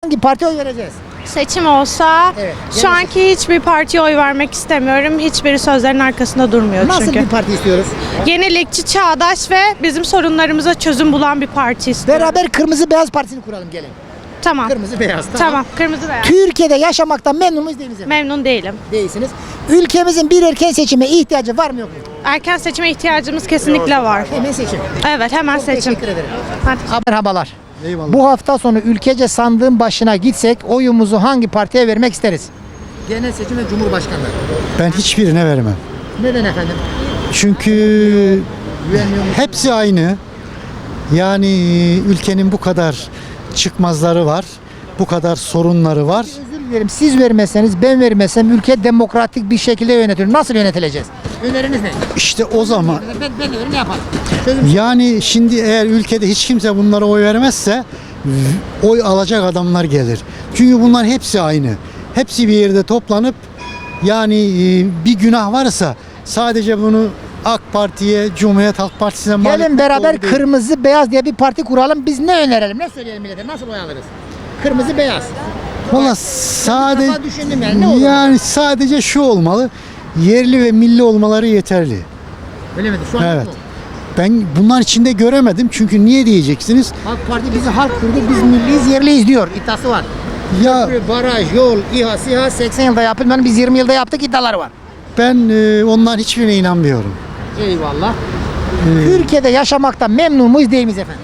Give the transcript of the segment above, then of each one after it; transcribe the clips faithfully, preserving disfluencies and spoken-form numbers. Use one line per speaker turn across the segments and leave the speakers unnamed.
Hangi partiye oy vereceğiz?
Seçim olsa
Evet,
şu anki hiçbir partiye oy vermek istemiyorum. Hiçbiri sözlerin arkasında durmuyor
Nasıl
çünkü.
bir parti istiyoruz?
Yenilikçi, çağdaş ve bizim sorunlarımıza çözüm bulan bir parti istiyorum.
Beraber Kırmızı Beyaz Partisi'ni kuralım gelin.
Tamam.
Kırmızı Beyaz.
Tamam. Kırmızı beyaz.
Türkiye'de yaşamaktan memnun muyuz değil miyiz efendim?
Memnun değilim.
Değilsiniz. Ülkemizin bir erken seçime ihtiyacı var mı yok mu?
Erken seçime ihtiyacımız kesinlikle var.
Hemen seçim.
Evet, hemen
Çok
seçim.
teşekkür ederim.
Hadi.
Merhabalar.
Eyvallah.
Bu hafta sonu ülkece sandığın başına gitsek oyumuzu hangi partiye vermek isteriz? Genel seçim ve Cumhurbaşkanlığı.
Ben hiçbirine vermem.
Neden efendim?
Çünkü
Güvenmiyor musun?
hepsi aynı. Yani ülkenin bu kadar çıkmazları var. Bu kadar sorunları var.
Özür dilerim, siz vermezseniz ben vermezsem ülke demokratik bir şekilde yönetilir. Nasıl yönetileceğiz? Öneriniz ne?
İşte o zaman
Ben, ben önerim ne yapalım? Çözüm.
yani şimdi eğer ülkede hiç kimse bunlara oy vermezse v- oy alacak adamlar gelir. Çünkü bunlar hepsi aynı. Hepsi bir yerde toplanıp yani e, bir günah varsa sadece bunu AK Parti'ye, Cumhuriyet Halk Partisi'ne mal
Gelin
etmek
beraber
doğru değil.
Kırmızı Beyaz diye bir parti kuralım. Biz ne önerelim? Ne söyleyelim millete? Nasıl oy alırız? Kırmızı Beyaz.
Valla sadece
defa düşündüm yani, ne olur?
yani sadece şu olmalı. Yerli ve milli olmaları yeterli.
Öyle mi? Şu an
Evet.
yok mu?
Ben bunlar içinde göremedim. Çünkü niye diyeceksiniz?
AK Parti bizi halk kurdu, biz milliyiz, yerliyiz diyor. İddiası var.
Ya
Köprü, baraj, yol, İHA, SİHA seksen yılda yapılmadı. Biz yirmi yılda yaptık iddiaları var.
ben e, onların hiçbirine inanmıyorum.
Eyvallah. Türkiye'de yaşamaktan memnun muyuz değil miyiz efendim?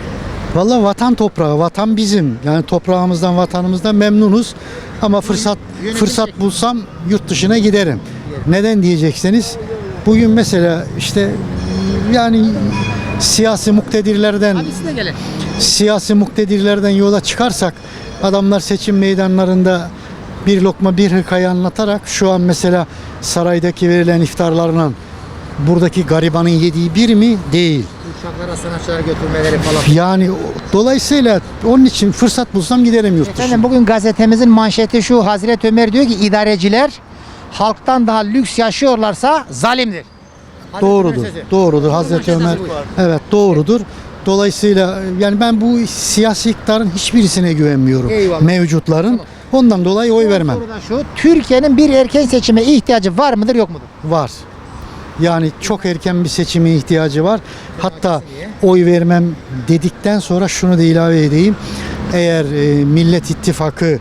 Valla vatan toprağı, vatan bizim. Yani toprağımızdan, vatanımızdan memnunuz. Ama fırsat
yönetim
fırsat
şekli.
bulsam yurt dışına giderim. Neden diyecekseniz? Bugün mesela işte yani siyasi muktedirlerden
Hadi siz de gelin.
siyasi muktedirlerden yola çıkarsak adamlar seçim meydanlarında bir lokma bir hikaye anlatarak şu an mesela saraydaki verilen iftarlarla buradaki garibanın yediği bir mi? Değil.
Uçaklara sanatçılar götürmeleri falan.
Yani o- dolayısıyla onun için fırsat bulsam giderim yurt dışına.
Efendim bugün gazetemizin manşeti şu: Hazreti Ömer diyor ki idareciler halktan daha lüks yaşıyorlarsa zalimdir. Hazreti
Doğrudur.
Ömer sözü.
Doğrudur. Hazreti
manşet
Ömer.
bu.
Evet, doğrudur. Dolayısıyla yani ben bu siyasi iktidarın hiçbirisine güvenmiyorum.
Eyvallah.
Mevcutların. Ondan dolayı oy vermem.
Soru da şu: Türkiye'nin bir erken seçime ihtiyacı var mıdır yok mudur?
Var. Yani çok erken bir seçime ihtiyacı var. Hatta
Demokrasiye.
oy vermem dedikten sonra şunu da ilave edeyim. Eğer e, Millet İttifakı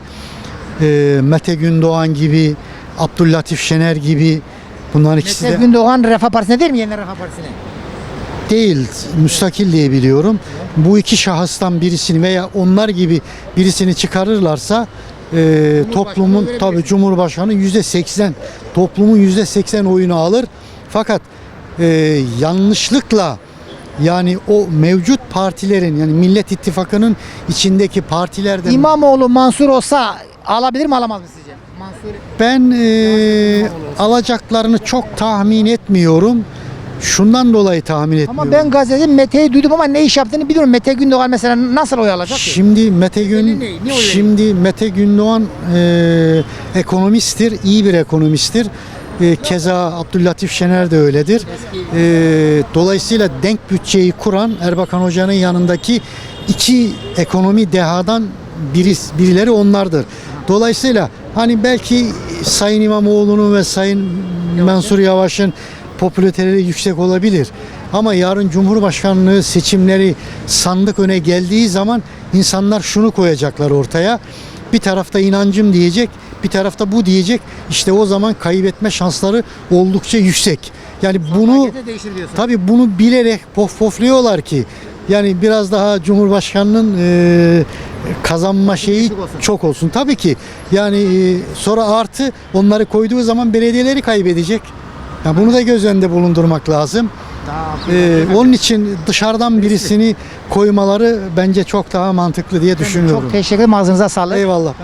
e, Mete Gündoğan gibi, Abdüllatif Şener gibi bunların ikisi
Mesela
de
Gündoğan Refah Partisi'ne değil mi? Yeni Refah Partisi'ne.
değil, müstakil diye biliyorum. Bu iki şahıstan birisini veya onlar gibi birisini çıkarırlarsa e, toplumun
verebilirsin.
tabi Cumhurbaşkanı yüzde seksen toplumun yüzde seksen oyunu alır. Fakat e, yanlışlıkla yani o mevcut partilerin yani Millet İttifakı'nın içindeki partilerden
İmamoğlu Mansur olsa alabilir mi alamaz mı sizce? Mansur
ben e, alacaklarını çok tahmin etmiyorum. Şundan dolayı tahmin etmiyorum.
ama ben gazetenin Mete'yi duydum ama ne iş yaptığını biliyorum. Mete Gündoğan mesela nasıl oy alacak ki?
Şimdi Mete Gün
Ne- ne- ne oy
şimdi Mete Gündoğan e, ekonomisttir, iyi bir ekonomisttir. E, keza Abdüllatif Şener de öyledir. E, dolayısıyla denk bütçeyi kuran Erbakan Hoca'nın yanındaki iki ekonomi dehadan biri, birileri onlardır. Dolayısıyla hani belki Sayın İmamoğlu'nun ve Sayın Mansur Yavaş'ın popülariteleri yüksek olabilir. Ama yarın Cumhurbaşkanlığı seçimleri sandık öne geldiği zaman insanlar şunu koyacaklar ortaya. Bir tarafta inancım diyecek, bir tarafta bu diyecek. İşte o zaman kaybetme şansları oldukça yüksek. Yani bunu
Markete değişir diyorsun.
tabii bunu bilerek pof pofluyorlar ki yani biraz daha Cumhurbaşkanının e, kazanma şeyi
düşük olsun.
çok olsun. Tabii ki yani e, sonra artı onları koyduğu zaman belediyeleri kaybedecek. Yani bunu da göz önünde bulundurmak lazım. Ee, onun için dışarıdan birisini koymaları bence çok daha mantıklı diye düşünüyorum.
Çok teşekkür ederim. Ağzınıza sağlık.
Eyvallah.